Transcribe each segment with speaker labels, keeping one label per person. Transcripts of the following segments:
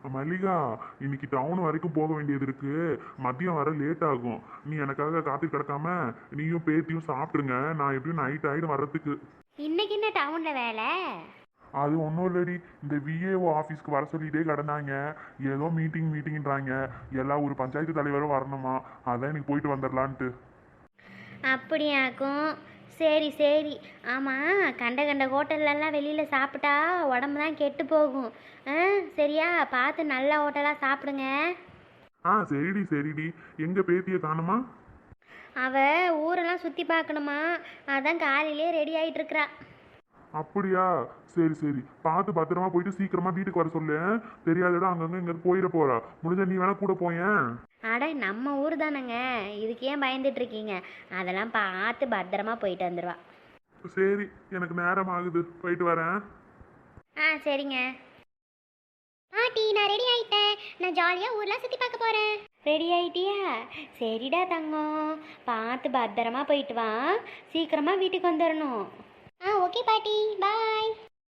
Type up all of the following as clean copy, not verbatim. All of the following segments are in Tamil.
Speaker 1: மல்லிகா, இன்னைக்கு டவுன் வரைக்கும் போக வேண்டியது இருக்கு. மதியம் வர லேட் ஆகும். நீ எனக்காக காத்து கிடக்காம நீயும் பேத்தியும் சாப்பிட்டுருங்க. நான் எப்படியும் நைட் ஆயிடும் வர்றதுக்கு.
Speaker 2: இன்னைக்கு என்ன டவுன்ல வேலை?
Speaker 1: அது ஒன்றும் இல்லடி, இந்த விஏஓ ஆஃபீஸ்க்கு வர சொல்லிட்டே கிடந்தாங்க. ஏதோ மீட்டிங்ன்றாங்க. எல்லா ஒரு பஞ்சாயத்து தலைவரும் வரணுமா. அதான் இன்னைக்கு போயிட்டு வந்துடலான்ட்டு.
Speaker 2: அப்படியாக்கும். சரி சரி. ஆமாம், கண்ட கண்ட ஹோட்டல்லலாம் வெளியில் சாப்பிட்டா உடம்பு தான் கெட்டு போகும். சரியா பார்த்து நல்ல ஹோட்டலாக சாப்பிடுங்க.
Speaker 1: சரிடி சரிடி. எங்க பேத்தியை காணுமா?
Speaker 2: அவள் ஊரெல்லாம் சுற்றி பார்க்கணுமா, அதான் காலையிலே ரெடி ஆகிட்டு இருக்கிறா.
Speaker 1: அப்படியா? சரி சரி, பார்த்து பத்திரமா போயிட்டு சீக்கிரமா வீட்டுக்கு வர சொல்லு. தெரியாத இடம் அங்கங்க இங்க போயிட போறா. முடிஞ்ச நீ வேணா கூட போயேன்.
Speaker 2: அட நம்ம ஊர் தானேங்க, இதுக்கு ஏன் பயந்துட்டு இருக்கீங்க? அதெல்லாம் பார்த்து பத்திரமா போயிட்டு வந்துடுவா.
Speaker 1: சரி, எனக்கு நேரம் ஆகுது, போயிட்டு வரேன்.
Speaker 2: சரிங்க பாட்டி, நான் ரெடி ஆயிட்டேன். நான் ஜாலியாக ஊர்லாம் சுற்றி பார்க்க போகிறேன். ரெடி ஆயிட்டியா? சரிடா தங்கம், பார்த்து பத்திரமா போயிட்டு வா. சீக்கிரமாக வீட்டுக்கு வந்துடணும். ஓகே பாட்டி, பாய்.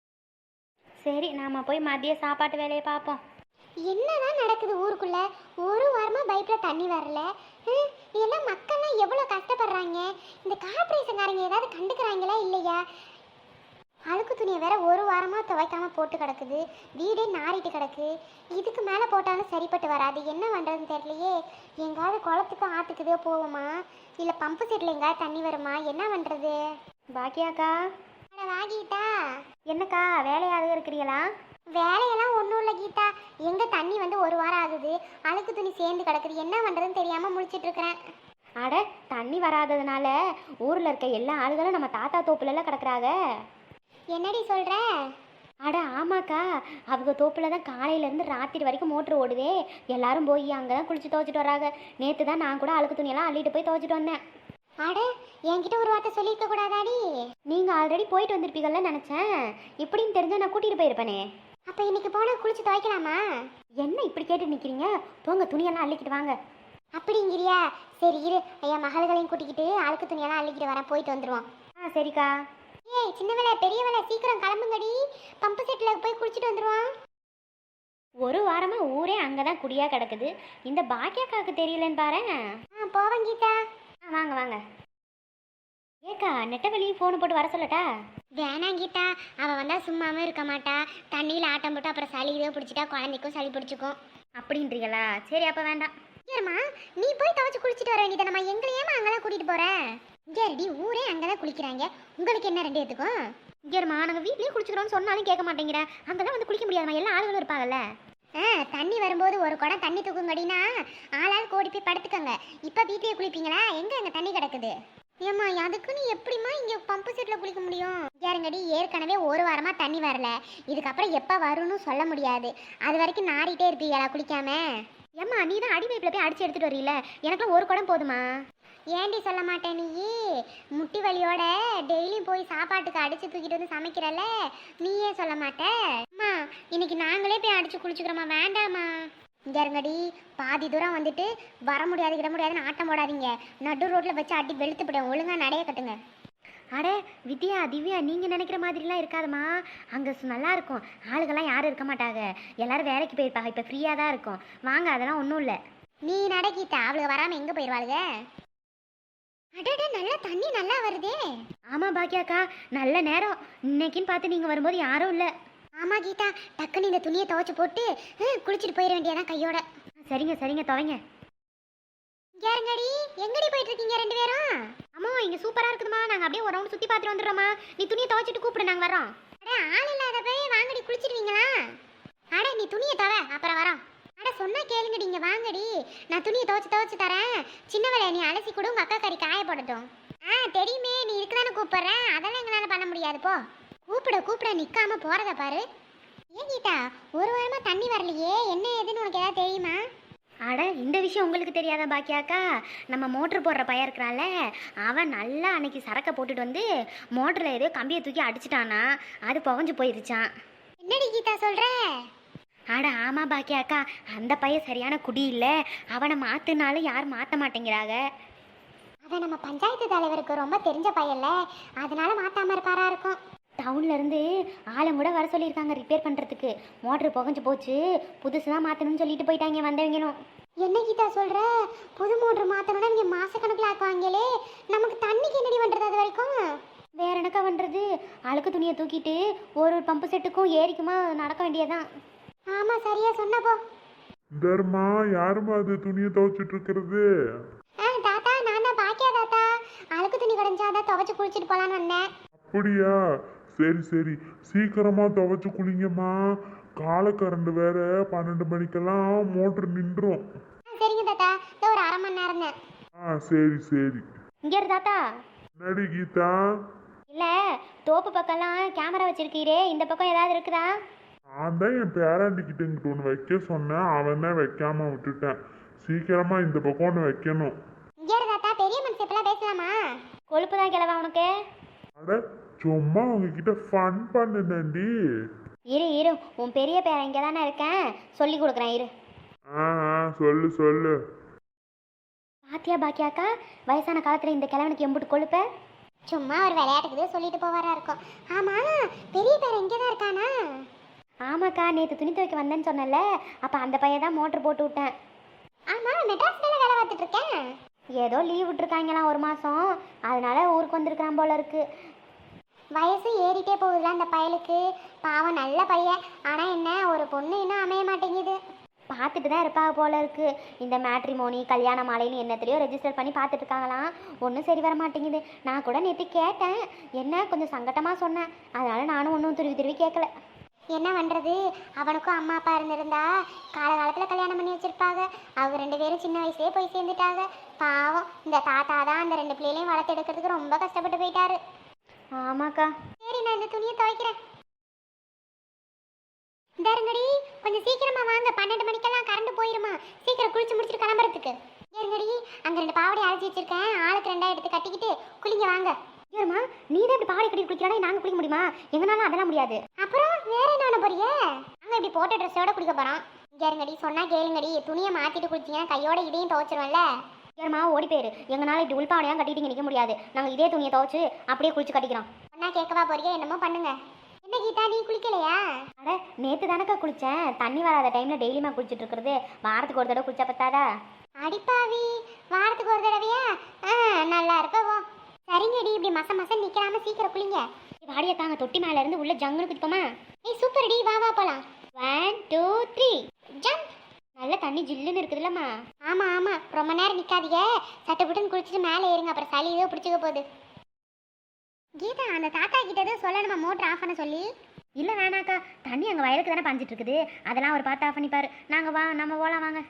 Speaker 2: சரி, நாம் போய் மதிய சாப்பாட்டு வேலையை பார்ப்போம்.
Speaker 3: என்னதான் நடக்குது ஊருக்குள்ள? ஒரு வாரமா பைப்ல தண்ணி வரல. இதெல்லாம் மக்கள்லாம் எவ்வளோ கஷ்டப்படுறாங்க. இந்த கார்பரேஷன்காரங்க ஏதாவது கண்டுக்கிறாங்களா இல்லையா? அழுக்கு துணியை வேற ஒரு வாரமா துவைக்காம போட்டு கிடக்குது. வீடே நாறிட்டு கிடக்கு. இதுக்கு மேலே போட்டாலும் சரிப்பட்டு வராது. என்ன பண்ணுறதுன்னு தெரியலையே. எங்காவது குளத்துக்கு ஆற்றுக்குதோ போவோமா, இல்லை பம்பு செட்டில் எங்காவது தண்ணி வருமா? என்ன பண்ணுறது?
Speaker 2: பாக்கியாக்கா.
Speaker 3: வாகிட்டா,
Speaker 2: என்னக்கா வேலையாக இருக்கிறீங்களா?
Speaker 3: வேலையெல்லாம் ஒன்றும் இல்லை கீதா. எங்கே தண்ணி வந்து ஒரு வாரம் ஆகுது. அழுக்கு துணி சேர்ந்து கிடக்குது. என்ன பண்ணுறதுன்னு தெரியாமல் முழிச்சிட்டு இருக்கிறேன்.
Speaker 2: அட, தண்ணி வராததுனால ஊரில் இருக்க எல்லா ஆளுகளும் நம்ம தாத்தா தோப்புலலாம் கிடக்குறாங்க.
Speaker 3: என்னடி சொல்கிற?
Speaker 2: அட ஆமாக்கா, அவங்க தோப்பில் தான் காலையிலேருந்து ராத்திரி வரைக்கும் மோட்ரு ஓடுதே. எல்லாரும் போய் அங்கே தான் குளிச்சு துவைச்சிட்டு வராங்க. நேற்று தான் நான் கூட அழுக்கு துணியெல்லாம் அள்ளிட்டு போய் துவைச்சிட்டு வந்தேன்.
Speaker 3: அட, என்கிட்ட ஒரு வார்த்தை சொல்லியிருக்க கூடாதாடி?
Speaker 2: நீங்கள் ஆல்ரெடி போயிட்டு வந்திருப்பீங்கள்ல நினச்சேன். இப்படின்னு தெரிஞ்சால் நான் கூட்டிகிட்டு போயிருப்பேனே.
Speaker 3: அப்போ இன்னைக்கு போனால் குளிச்சு துவைக்கலாமா?
Speaker 2: என்ன இப்படி கேட்டு நிற்கிறீங்க? போங்க, துணியெல்லாம் அள்ளிக்கிட்டு வாங்க.
Speaker 3: அப்படிங்கிறியா? சரி இரு, ஐயா மகள்களையும் கூட்டிக்கிட்டு அழுக்கு துணியெல்லாம் அள்ளிக்கிட்டு வரேன். போயிட்டு வந்துடுவோம்.
Speaker 2: சரிக்கா.
Speaker 3: ஏய் சின்ன வேலை பெரிய வேலை, சீக்கிரம் கிளம்புங்கடி. பம்பு செட்டில் போய் குளிச்சுட்டு வந்துடுவோம்.
Speaker 2: ஒரு வாரமாக ஊரே அங்கே தான் குடியாக கிடக்குது. இந்த பாக்கியாக்காவுக்கு தெரியலன்னு பாரு.
Speaker 3: போவேன் கீதா.
Speaker 2: வாங்க வாங்க. ஏக்கா, நெட்டவெளியும் ஃபோனு போட்டு வர சொல்லட்டா?
Speaker 3: வேணாம் கீதா, அவள் வந்தால் சும்மாவே இருக்க மாட்டா. தண்ணியில் ஆட்டம் போட்டு அப்புறம் சளி இதோ பிடிச்சிட்டா குழந்தைக்கும் சளி பிடிச்சிக்கும்.
Speaker 2: அப்படின்றீங்களா? சரி, அப்போ வேண்டாம்.
Speaker 3: ஏம்மா, நீ போய் துவைச்சு குளிச்சுட்டு வர வேண்டியதை நம்ம எங்களையேமா அங்கெல்லாம் கூட்டிகிட்டு போகிறேன். இங்கே ரெடி, ஊரே அங்கே தான் குளிக்கிறாங்க. உங்களுக்கு என்ன ரெண்டு எடுத்துக்கும்?
Speaker 2: இங்கேம்மா, நாங்கள் வீட்லேயே குளிச்சுக்கிறோன்னு சொன்னாலும் கேட்க மாட்டேங்கிறேன். அங்கே தான் வந்து குளிக்க முடியாதுமா, எல்லா ஆளுகளும் இருப்பாங்கல்ல.
Speaker 3: தண்ணி வரும்போது ஒரு குடம் தண்ணி தூக்குங்கடினா ஆளால் கோடி போய் படுத்துக்கோங்க. இப்போ வீட்லேயே குளிப்பீங்களா? எங்கே அங்கே தண்ணி கிடக்குது? ஏம்மா, அதுக்குன்னு எப்படிம்மா இங்கே பம்பு செட்டில் குளிக்க முடியும்? யாருங்கடி, ஏற்கனவே ஒரு வாரமாக தண்ணி வரல. இதுக்கப்புறம் எப்போ வரும்னு சொல்ல முடியாது. அது வரைக்கும் நாறிட்டே இருப்பீங்களா குளிக்காம?
Speaker 2: ஏம்மா, நீ தான் அடி பைப்பில் போய் அடிச்சு எடுத்துகிட்டு வரீல. எனக்குலாம் ஒரு குடம் போதுமா?
Speaker 3: ஏண்டி சொல்ல மாட்டேன் நீ? முட்டி வலியோட டெய்லியும் போய் சாப்பாட்டுக்கு அடிச்சு தூக்கிட்டு வந்து சமைக்கிறல்ல, நீயே சொல்ல மாட்ட? அம்மா, இன்னைக்கு நாங்களே போய் அடிச்சு குளிச்சுக்கிறோமா? வேண்டாமா? இங்கே இருங்கடி, பாதி தூரம் வந்துட்டு வர முடியாது கிட முடியாதுன்னு ஆட்டம் போடாதீங்க. நடு ரோட்டில் வச்சு அடி வெளுத்து போடுவேன். ஒழுங்காக நடைய கட்டுங்க.
Speaker 2: அட வித்யா, திவ்யா, நீங்கள் நினைக்கிற மாதிரிலாம் இருக்காதுமா. அங்கே நல்லா இருக்கும். ஆளுகள்லாம் யாரும் இருக்க மாட்டாங்க. எல்லாரும் வேலைக்கு போயிருப்பாங்க. இப்போ ஃப்ரீயாக தான் இருக்கும். வாங்க, அதெல்லாம் ஒன்றும் இல்லை.
Speaker 3: நீ நடக்கிட்ட அவளுக்கு வராமல் எங்கே போயிடுவாளுங்க? அடடா, நல்லா தண்ணி நல்லா வருதே.
Speaker 2: ஆமாம் பாக்கியாக்கா, நல்ல நேரம். இன்னைக்குன்னு பார்த்து நீங்கள் வரும்போது யாரும் இல்லை.
Speaker 3: ஆமாம் கீதா, டக்குன்னு இந்த துணியை துவைச்சு போட்டு குளிச்சுட்டு போயிட வேண்டியதான் கையோட.
Speaker 2: சரிங்க சரிங்க, துவைங்க.
Speaker 3: யாருங்கடி, எங்கடி போயிட்டு இருக்கீங்க ரெண்டு பேரும்?
Speaker 2: அம்மா, இங்கே சூப்பராக இருக்குதுமா. நாங்கள் அப்படியே ஒரு ரவுண்ட் சுற்றி பார்த்துட்டு வந்துடுறோம்மா. நீ துணியை துவைச்சிட்டு கூப்பிடு, நாங்கள் வரோம்.
Speaker 3: அட, ஆள் இல்லாத போய் வாங்கடி குளிச்சிடுவீங்களா? அட, நீ துணியை துவை, அப்புறம் வரோம். அட, சொன்னா கேளுங்கடி, இங்கே வாங்கடி. நான் துணியை துவைச்சு தரேன். சின்ன வேலை நீ அலசி கூட உங்கள் அக்கா கறி காய போடட்டும். தெரியுமே, நீ இருக்குதானே கூப்பிட்றேன். அதெல்லாம் எங்களால் பண்ண முடியாது. போ, கூப்பிட நிற்காம போகிறத பாரு. ஏன் கீதா, ஒரு வாரமாக தண்ணி வரலையே, என்ன ஏதுன்னு உனக்கு ஏதாவது தெரியுமா?
Speaker 2: அட, இந்த விஷயம் உங்களுக்கு தெரியாதா பாக்கியாக்கா? நம்ம மோட்ரு போடுற பையன் இருக்கிறான்ல, அவன் நல்லா அன்னைக்கு சரக்கை போட்டுட்டு வந்து மோட்டரில் ஏதோ கம்பியை தூக்கி அடிச்சிட்டானா, அது புகஞ்சு போயிருச்சான்.
Speaker 3: என்னடி கீதா சொல்கிற?
Speaker 2: அட ஆமாம் பாக்கியாக்கா, அந்த பையன் சரியான குடி இல்லை. அவனை மாற்றினாலும் யாரும் மாற்ற மாட்டேங்கிறாங்க.
Speaker 3: அவன் நம்ம பஞ்சாயத்து தலைவருக்கு ரொம்ப தெரிஞ்ச பையன்ல, அதனால மாத்தாம இருப்பாரா இருக்கும்.
Speaker 2: டவுன்ல இருந்து ஆளும் கூட வர சொல்லியிருக்காங்க ரிப்பேர் பண்ணுறதுக்கு. மோட்ரு புகஞ்சு போச்சு, புதுசு தான் மாற்றணும்னு சொல்லிட்டு போயிட்டாங்க வந்தவங்களும்.
Speaker 3: என்ன கீதா சொல்ற? புது மோட்டர் மாத்தணும்னா இங்க மாசக்கணக்கில் ஆக்குவாங்களே, நமக்கு தண்ணிக்கு என்னடி பண்றது அது வரைக்கும்?
Speaker 2: வேற என்னக்கா பண்ணுறது? அழுக்கு துணியை தூக்கிட்டு ஒரு பம்பு செட்டுக்கும் ஏரிக்குமா நடக்க வேண்டியதான்.
Speaker 3: ஆமா சரியா சொன்னப்போ.
Speaker 1: தர்மா, யாருமா அது துணியை துவைச்சிட்டு இருக்கிறது?
Speaker 3: தாத்தா நான் தான் பாக்கியா தாத்தா. அழுக்கு துணி கடைஞ்சாதான் துவைச்சு குளிச்சுட்டு போலான்னு வந்தேன்.
Speaker 1: அப்படியா? சரி சரி, சீக்கிரமா துவைச்சு குளிங்கம்மா. காலை கரண்ட் வேற 12 மணிக்கெல்லாம் மோட்டர் நின்றும்.
Speaker 3: சரிங்க தாத்தா, இதோ ஒரு அரை மணி நேரம் தான்.
Speaker 1: சரி சரி.
Speaker 2: இங்கே இரு தாத்தா.
Speaker 1: நடி கீதா.
Speaker 2: இல்லை, தோப்பு பக்கம்லாம் கேமரா வச்சிருக்கீரே, இந்த பக்கம் ஏதாவது இருக்குதா?
Speaker 1: நான் தான் என் பேராண்டிக்கிட்ட இங்கிட்ட ஒன்று வைக்க சொன்னேன், அவன் தான் வைக்காம விட்டுட்டேன். சீக்கிரமா இந்த பக்கம் ஒன்று வைக்கணும்.
Speaker 3: இங்கே இரு தாத்தா, பெரிய மனுஷன் இப்பெல்லாம் பேசலாமா?
Speaker 2: கொழுப்பு தான் கிளவா உனக்கு.
Speaker 1: அட சும்மா உங்ககிட்ட ஃபன் பண்ணுனேன்டி.
Speaker 2: இரு இரு, உன் பெரிய பேரன் இங்கே தானே இருக்கேன், சொல்லி கொடுக்குறேன் இரு.
Speaker 1: சொல்லு சொல்லு.
Speaker 2: பாத்தியா பாக்கியாக்கா, வயசான காலத்தில் இந்த கிழவனுக்கு எம்புட்டு கொழுப்ப.
Speaker 3: சும்மா ஒரு விளையாட்டுக்கு சொல்லிட்டு போவாரா இருக்கும். ஆமா, பெரிய பேர் இங்கே தான் இருக்கானா?
Speaker 2: ஆமாக்கா, நேற்று துணி துவைக்க வந்தேன்னு சொன்னல, அப்போ அந்த பையன் தான் மோட்ரு போட்டு விட்டேன்.
Speaker 3: ஆமா, மெட்ராஸ்ல வேலை பார்த்துட்டு இருக்கேன்.
Speaker 2: ஏதோ லீவ் விட்டுருக்காங்களாம் ஒரு மாதம், அதனால ஊருக்கு வந்திருக்கிறான் போல இருக்கு.
Speaker 3: வயசு ஏறிட்டே போகுதுல அந்த பயலுக்கு. பாவம் நல்ல பையன், ஆனா என்ன ஒரு பொண்ணு இன்னும் அமைய மாட்டேங்குது.
Speaker 2: பார்த்துட்டு தான் இருப்பாங்க போல இருக்கு. இந்த மேட்ரிமோனி கல்யாண மாலைன்னு என்னத்துலையோ ரெஜிஸ்டர் பண்ணி பார்த்துட்டு இருக்காங்களாம். ஒன்றும் சரி வர மாட்டேங்குது. நான் கூட நேற்று கேட்டேன், என்ன கொஞ்சம் சங்கட்டமாக சொன்னேன், அதனால நானும் ஒன்றும் திருவி கேட்கல.
Speaker 3: என்ன பண்றது, அவனுக்கும் அம்மா அப்பா இருந்திருந்தா காலகாலத்துல கல்யாணம் பண்ணி வச்சிருப்பாங்க. அவங்க 2 பேரும் சின்ன வயசுலயே போய் சேர்ந்துட்டாங்க. பாவம் இந்த தாத்தா தான் அந்த 2 பிள்ளைகளையும் வளர்த்து எடுக்கிறதுக்கு ரொம்ப கஷ்டப்பட்டு போயிட்டாரு.
Speaker 2: ஆமாக்கா.
Speaker 3: சரி, நான் இந்த துணியை துவைக்கிறேன். தருங்கடி, கொஞ்சம் சீக்கிரமா வாங்க, 12 மணிக்கெல்லாம் கரண்ட் போயிருமா. சீக்கிரம் குளிச்சு முடிச்சுட்டு கிளம்புறதுக்கு. ஏறுங்கடி, அங்க 2 பாவடை அழைச்சி வச்சிருக்கேன், ஆளுக்கு 2 எடுத்து கட்டிக்கிட்டு குளிங்க வாங்க.
Speaker 2: ஏறுமா, நீ தான் இப்படி பாவாடை கட்டி குளிக்கிறானே, நாங்கள் குளிக்க முடியுமா? எங்கனாலும் அதெல்லாம் முடியாது.
Speaker 3: அப்புறம் வேற என்ன பண்ண போறிய? நாங்க இப்படி போட்ட ட்ரெஸ்ஸோட குளிக்க போறோம். ஏறுங்கடி, சொன்னா கேளுங்கடி, துணியை மாத்திட்டு குளிச்சிங்கன்னா கையோட இதையும் துவைச்சிருவேன்ல.
Speaker 2: ஏறுமா, ஓடி போயிரு. எங்கனாலும் இப்படி உள்பாவடையாக கட்டிட்டு நிற்க முடியாது. நாங்கள் இதே துணியை துவைச்சு அப்படியே குளிச்சு கட்டிக்கிறோம்.
Speaker 3: சொன்னா கேட்கவா போறிய? என்னமோ பண்ணுங்க. என்ன கீதா, நீ குளிக்கலையா?
Speaker 2: அட நேற்று தானக்கா குளித்தேன். தண்ணி வராத டைமில் டெய்லியுமா குளிச்சுட்டு இருக்கிறது, வாரத்துக்கு ஒரு தடவை குளிச்சா பத்தாதா?
Speaker 3: அடிப்பாவி, வாரத்துக்கு ஒரு தடவையா? நல்லா இருக்கவோ. சரிங்கடி, இப்படி மசம் நிக்காம சீக்கிரம் குளிங்க.
Speaker 2: வாடியை தாங்க, தொட்டி மேல இருந்து உள்ள ஜங்குன்னு குதிப்போமா?
Speaker 3: ஏய் சூப்பர் டி, வா வா போலாம்.
Speaker 2: 1 2 3
Speaker 3: ஜம்ப்.
Speaker 2: நல்ல தண்ணி ஜில்லுன்னு இருக்குதுல்லம்மா.
Speaker 3: ஆமா ஆமா, ரொம்ப நேரம் நிக்காதீங்க, சட்டுப்புட்டுன்னு குளிச்சுட்டு மேலே ஏறுங்க, அப்புறம் சளி ஏதோ பிடிச்சிக்க போகுது. கீதா, அந்த தாத்தா கிட்ட ஏதோ சொல்லணுமா மோட்டர் ஆஃப் பண்ண சொல்லி?
Speaker 2: இல்லை வேணாக்கா, தண்ணி அங்கே வயலுக்கு தானே பாஞ்சிட்டு இருக்குது, அதெல்லாம் அவர் பார்த்து ஆஃப் பண்ணிப்பாரு. நம்ம போகலாம் வாங்க.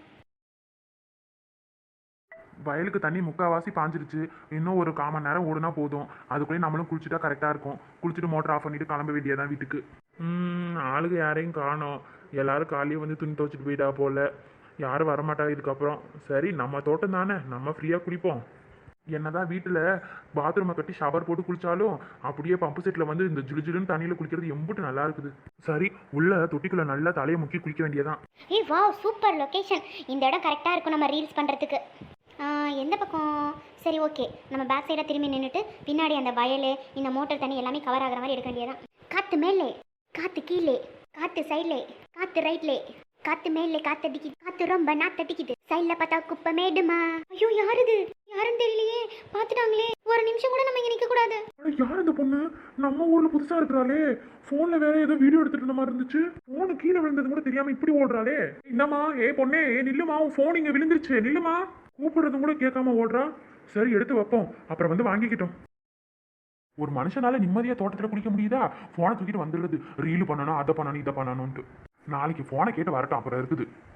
Speaker 1: வயலுக்கு தண்ணி முக்கால்வாசி பாஞ்சிருச்சு. இன்னும் ஒரு 1/4 மணி நேரம் ஓடுனா போதும். அதுக்குள்ளேயே நம்மளும் குளிச்சுட்டா கரெக்டாக இருக்கும். குளிச்சுட்டு மோட்டர் ஆஃப் பண்ணிட்டு கிளம்ப வேண்டியதான் வீட்டுக்கு. ஆளுங்க யாரையும் காணோம். எல்லாரும் காலையே வந்து துணி துவைச்சிட்டு போயிட்டா போல. யாரும் வரமாட்டாங்க இதுக்கப்புறம். சரி, நம்ம தோட்டம் தானே, நம்ம ஃப்ரீயாக குளிப்போம். என்னதான் வீட்டில் பாத்ரூமை கட்டி ஷவர் போட்டு குளிச்சாலும் அப்படியே பம்பு செட்டில் வந்து இந்த ஜிலுன்னு தண்ணியில் குளிக்கிறது எம்பிட்டு நல்லா இருக்குது. சரி, உள்ள தொட்டிக்குள்ள நல்லா தலையை முக்கி குளிக்க வேண்டியதான்.
Speaker 2: ஏய் வா, சூப்பர் லொக்கேஷன். இந்த இடம் கரெக்டாக இருக்கும் நம்ம ரீல்ஸ் பண்ணுறதுக்கு. எந்த பக்கம்? சரி ஓகே, நம்ம பேக் சைடாக திரும்பி நின்றுட்டு பின்னாடி அந்த வயல், இந்த மோட்டர் தண்ணி எல்லாமே கவர் ஆகிற மாதிரி எடுக்க வேண்டியதான். காற்று மேலே, காற்று கீழே, காற்று சைட்லே, காற்று ரைட்லே, காற்று மேலே காற்றடிக்குது, காற்று ரொம்ப நாத்தடிக்குது, சைடில் பார்த்தா குப்பை மேடுமா. ஐயோ யார் இது? யாருன்னு தெரியலையே, பார்த்துட்டாங்களே. ஒரு நிமிஷம் கூட நம்ம இங்கே நிற்கக்கூடாது.
Speaker 1: யார் இந்த பொண்ணு? நம்ம ஊரில் புதுசாக இருக்கிறாளே. ஃபோனில் வேற ஏதோ வீடியோ எடுத்துட்டு இருந்த மாதிரி இருந்துச்சு. ஃபோனு கீழே விழுந்தது கூட தெரியாமல் இப்படி ஓடுறாளே. என்னம்மா, பொண்ணே, நில்லுமா, உன் ஃபோன் இங்கே விழுந்துருச்சு, நில்லுமா. கூப்பிடுறதும் கூட கேட்காம ஓடுறா. சரி, எடுத்து வைப்போம், அப்புறம் வந்து வாங்கிக்கிட்டோம். ஒரு மனுஷனால நிம்மதியாக தோட்டத்தில் குளிக்க முடியுதா? ஃபோனை தூக்கிட்டு வந்துடுறது, ரீல் பண்ணணும், அதை பண்ணணும், இதை பண்ணணும்ட்டு. நாளைக்கு ஃபோனை கேட்டு வரட்டும், அப்புறம் இருக்குது.